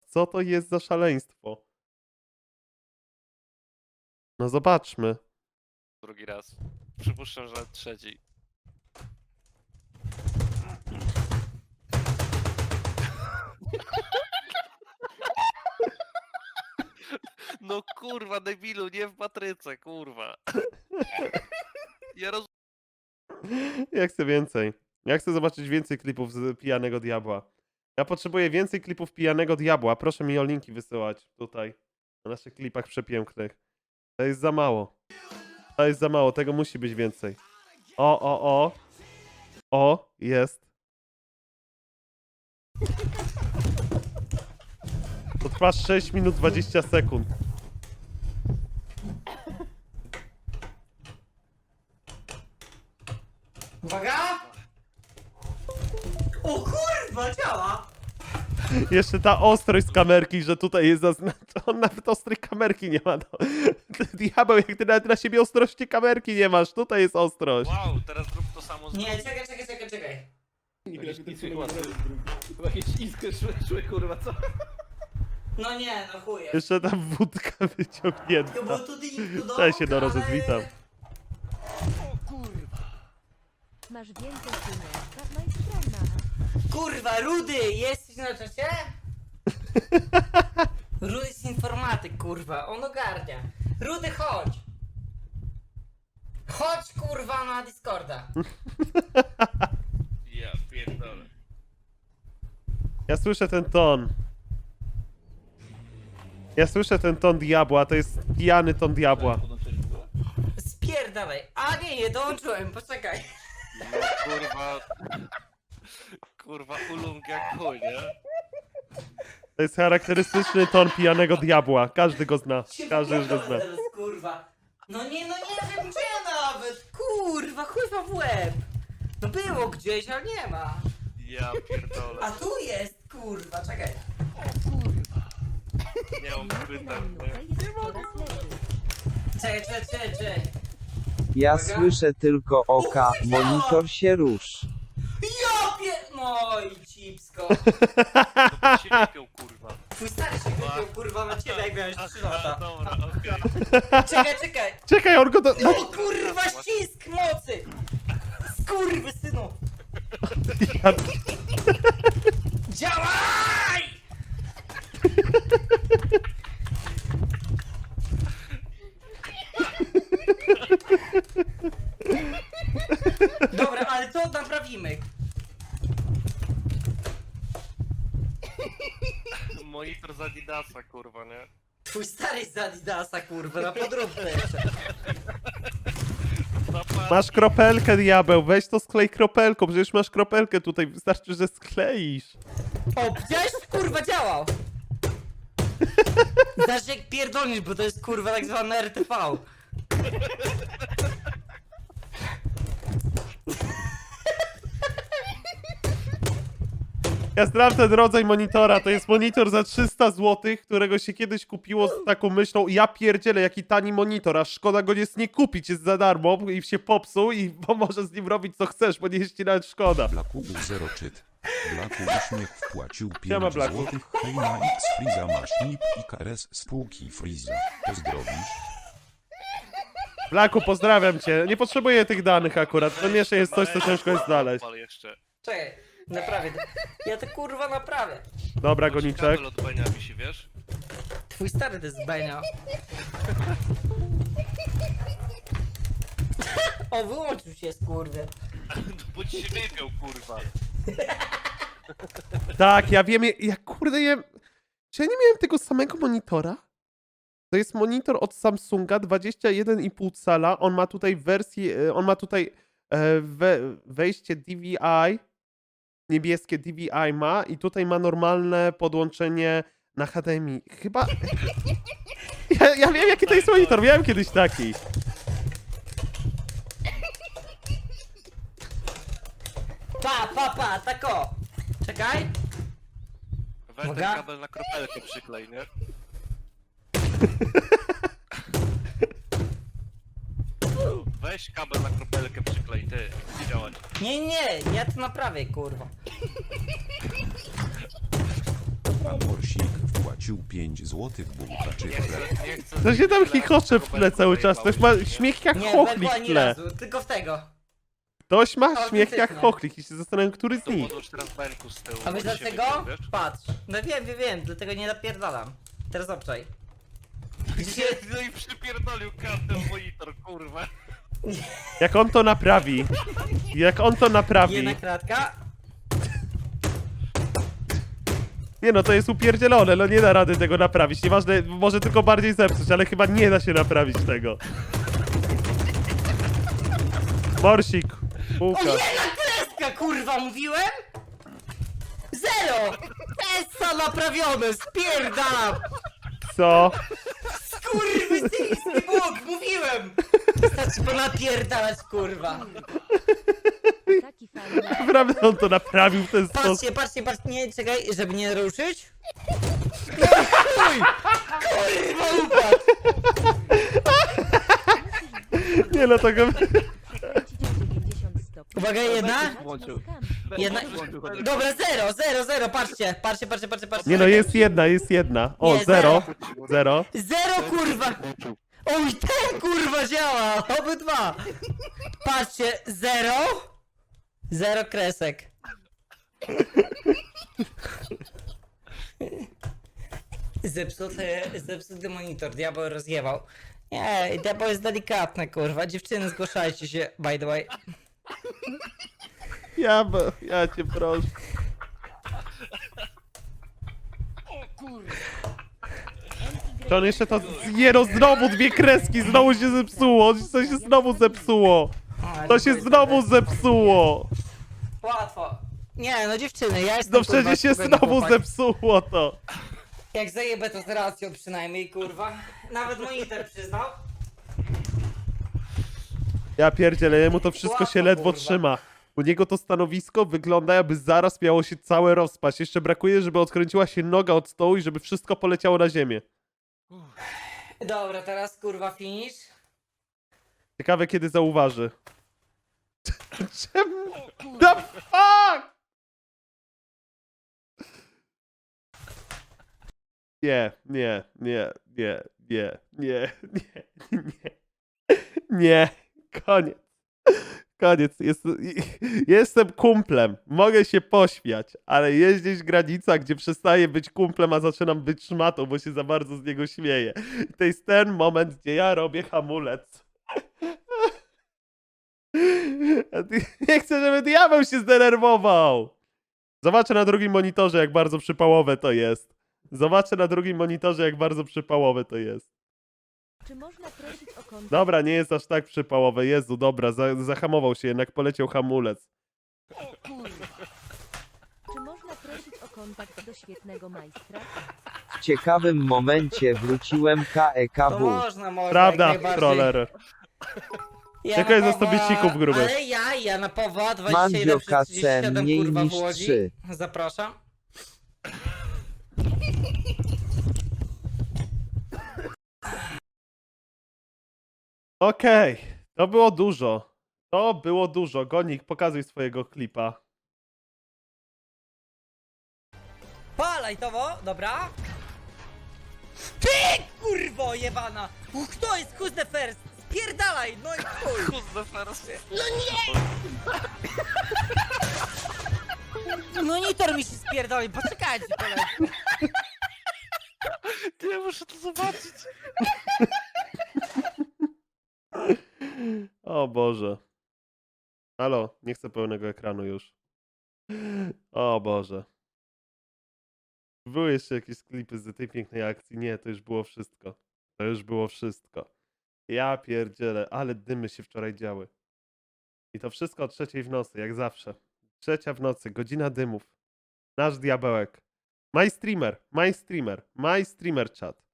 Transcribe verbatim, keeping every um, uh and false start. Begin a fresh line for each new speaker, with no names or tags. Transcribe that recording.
Co to jest za szaleństwo? No zobaczmy.
Drugi raz. Przypuszczam, że trzeci. No kurwa, debilu, nie w matryce, kurwa. Ja roz...
Ja chcę więcej. Ja chcę zobaczyć więcej klipów z Pijanego Diabła. Ja potrzebuję więcej klipów Pijanego Diabła. Proszę mi o linki wysyłać tutaj. Na naszych klipach przepięknych. To jest za mało. To jest za mało, tego musi być więcej. O, o, o. O, jest. To trwa sześć minut dwadzieścia sekund.
Uwaga! O kurwa, działa!
Jeszcze ta ostrość z kamerki, że tutaj jest zaznaczona. On nawet ostrej kamerki nie ma. No. Diabeł, jak ty nawet na siebie ostrości kamerki nie masz. Tutaj jest ostrość.
Wow, teraz zrób to samo z
Nie, czekaj, czekaj, czekaj, czekaj.
Chyba jakieś iskry szły, szły, kurwa, co?
No nie, no chuje.
Jeszcze tam wódka
To
wyciągnięta.
było tu tu do
Cześć, Noro,
ale-
witam.
Masz więcej pieniążka, no i strona.
Kurwa, Rudy, jesteś na czacie? Rudy jest informatyk, kurwa, on ogarnia. Rudy, chodź! Chodź, kurwa, na Discorda.
Ja pierdolę.
Ja słyszę ten ton. Ja słyszę ten ton diabła, to jest pijany ton diabła.
Podłączyłeś w ogóle?
Spierdalaj. A nie, nie dołączyłem, poczekaj.
No kurwa... Kurwa, ulung jak chuj, nie?
To jest charakterystyczny ton pijanego diabła. Każdy go zna.
Się
Każdy już go zna.
wypierdolę teraz, kurwa. No nie, no nie wiem gdzie nawet. Kurwa, chuj w łeb. No było gdzieś, ale nie ma.
Ja pierdolę.
A tu jest, kurwa, czekaj.
Nie mam
Na
pytań,
minutę
nie?
jest coraz lepiej.
Czekaj, czekaj, czekaj, czekaj.
Ja
Uwaga.
słyszę tylko oka, monitor się rusz.
Ja pier... No i cipsko.
To się wypiął, kurwa.
Twój stary się wypiął, kurwa, na ciebie, jak miałeś trzy
Aha,
lata.
dobra, okej.
Czekaj, czekaj.
Czekaj, on go do...
No kurwa, ścisk mocy. Skurwy, synu.
Ja...
Działaj! Dobra, ale to naprawimy.
Monitor z Adidasa, kurwa, nie?
Twój stary z Adidasa, kurwa, na podróbkę jeszcze.
Zapal...
Masz kropelkę, diabeł, weź to sklej kropelką, przecież masz kropelkę tutaj, wystarczy, że skleisz.
O, widziałeś? Kurwa, działał. Znasz jak pierdolisz, bo to jest kurwa tak zwane R T V.
Ja znam ten rodzaj monitora, to jest monitor za trzysta złotych, którego się kiedyś kupiło z taką myślą, ja pierdzielę, jaki tani monitor, a szkoda go jest nie kupić, jest za darmo i się popsuł i bo możesz z nim robić co chcesz, bo nie jest ci nawet szkoda.
Blaku był zero czyt. Blaku uśmiech wpłacił
Siema,
pięć
Blaku.
złotych. Hej na X Freeza masz nip i K R S spółki Freeza. Pozdrowisz.
Blaku, pozdrawiam cię, nie potrzebuję tych danych akurat, to jeszcze jest coś, co ciężko jest znaleźć.
Odpal jeszcze.
Czekaj, naprawię. Ja to kurwa naprawię.
Dobra,
Chodź,
Goniczek.
kabel od Benia wisi, wiesz?
Twój stary to jest Benio. O, wyłączył się, skurwy.
Bo ci się wypiął, kurwa.
Tak, ja wiem, ja, ja kurde, ja... Czy ja nie miałem tego samego monitora? To jest monitor od Samsunga, dwadzieścia jeden i pół cala, on ma tutaj wersję, e, on ma tutaj e, we, wejście D V I, niebieskie D V I ma i tutaj ma normalne podłączenie na H D M I. Chyba... Ja, ja wiem, jaki to jest monitor, miałem kiedyś taki.
Pa, pa, pa, tako. Czekaj.
Weź ten
Uwaga.
kabel na kropelkę przyklej, nie? Weź kabel na kropelkę przyklej, ty. Będzie działać.
Nie, nie, ja to naprawię, kurwa.
Amorsik wpłacił wrzucił pięć złotych bułka czy
Nie
chleb.
chcę, nie chcę.
To się tam
Tyle
chichocze w
tego
tle cały czas.
belku
Ktoś ma
zajebałeś,
śmiech jak
Nie,
chochlik
Belku
w
ani
tle.
razu, tylko w tego.
Ktoś ma śmiech jak
Autentycznie.
chochlik i się zastanawiam, który z
To
nich.
podłóż teraz belku z tyłu.
A wiesz
bo się
dlaczego?
wyjdzie, wiesz?
Patrz. No wiem, wiem, wiem, dlatego nie napierdalam. Teraz obczaj.
Gdzie? No i przypierdolił kartę w monitor, kurwa.
Jak on to naprawi. Jak on to naprawi.
Jedna kratka.
Nie no, to jest upierdzielone, no nie da rady tego naprawić. Nieważne, może tylko bardziej zepsuć, ale chyba nie da się naprawić tego. Morsik,
O,
bułka.
jedna kreska, kurwa, mówiłem? Zero! Essa naprawione, spierdalam!
Co?
Skurwysyjski Bóg, mówiłem! Wystarczy ponapierdalać, kurwa.
Taki fajny.
Naprawdę on to naprawił w ten sposób.
Patrzcie, patrzcie, patrzcie, nie, czekaj, żeby nie ruszyć. No i chuj! Kurwa, upadł!
Nie no, to go...
Kręcić o dziewięćdziesiąt stopni.
Uwaga, jedna.
Włączył.
Jedna.
Włączył, chodź.
Dobra, zero, zero, zero, patrzcie, patrzcie, patrzcie, patrzcie, patrzcie.
Nie no, jest jedna, jest jedna. O,
Nie,
zero. Zero.
Zero, kurwa! Oj, ten kurwa działa! Obydwa! Patrzcie, zero. Zero kresek. Zepsuty, zepsuty monitor, diabeł rozjebał. Nie, diabeł jest delikatny, kurwa. Dziewczyny, zgłaszajcie się, by the way.
Ja, bo- ja cię proszę. To on jeszcze to... Nie no, znowu dwie kreski, znowu się zepsuło. To się znowu zepsuło.
A,
To się
dziękuję
znowu
serdecznie.
zepsuło.
Łatwo. Nie, no dziewczyny, ja jestem
No
kurwa,
przecież się
spokojny
znowu
chłopak.
zepsuło to.
Jak zajebę to z racją przynajmniej, kurwa. Nawet monitor przyznał.
Ja pierdzielę, jemu to wszystko się
Łatwo,
ledwo
kurwa.
trzyma. U niego to stanowisko wygląda, jakby zaraz miało się całe rozpaść. Jeszcze brakuje, żeby odkręciła się noga od stołu i żeby wszystko poleciało na ziemię.
Dobra, teraz kurwa finish.
Ciekawe, kiedy zauważy. Czemu? The fuck? Nie, nie, nie, nie, nie, nie, nie, nie, nie, koniec. Koniec. Jest, jestem kumplem. Mogę się pośmiać, ale jest gdzieś granica, gdzie przestaję być kumplem, a zaczynam być szmatą, bo się za bardzo z niego śmieję. I to jest ten moment, gdzie ja robię hamulec. Nie chcę, żeby diabeł się zdenerwował. Zobaczę na drugim monitorze, jak bardzo przypałowe to jest. Zobaczę na drugim monitorze, jak bardzo przypałowe to jest.
Czy można prosić o kontakt?
Dobra, nie jest aż tak przypałowe. Jezu, dobra, za, zahamował się, jednak poleciał hamulec.
Czy można prosić o kontakt do świetnego majstra?
W ciekawym momencie wróciłem
To
KEKW.
można, można.
Prawda,
jak najbardziej.
troller.
Ja
Czekaj,
na
zostawię
Pawła-
cików grubych.
Ale ja, ja na Pawła dwadzieścia jeden
Mandzio
przez trzydzieści
K C
siedem
mniej
kurwa
niż
w Łodzi.
trzy.
Zapraszam.
Okej, to było dużo. To było dużo. Gonik, pokazuj swojego klipa.
Palaj towo, dobra. Ty kurwo jebana! Uch, to jest who's the first? Spierdalaj, no i chuj!
Kuzda first.
Monitor mi się spierdoli, poczekajcie koledzy.
Ty, ja muszę to zobaczyć.
O Boże. Halo, nie chcę pełnego ekranu już. O Boże. Były jeszcze jakieś klipy z tej pięknej akcji. Nie, to już było wszystko. To już było wszystko. Ja pierdzielę, ale dymy się wczoraj działy. I to wszystko o trzeciej w nocy, jak zawsze. Trzecia w nocy, godzina dymów. Nasz diabełek. My streamer, my streamer, my streamer chat.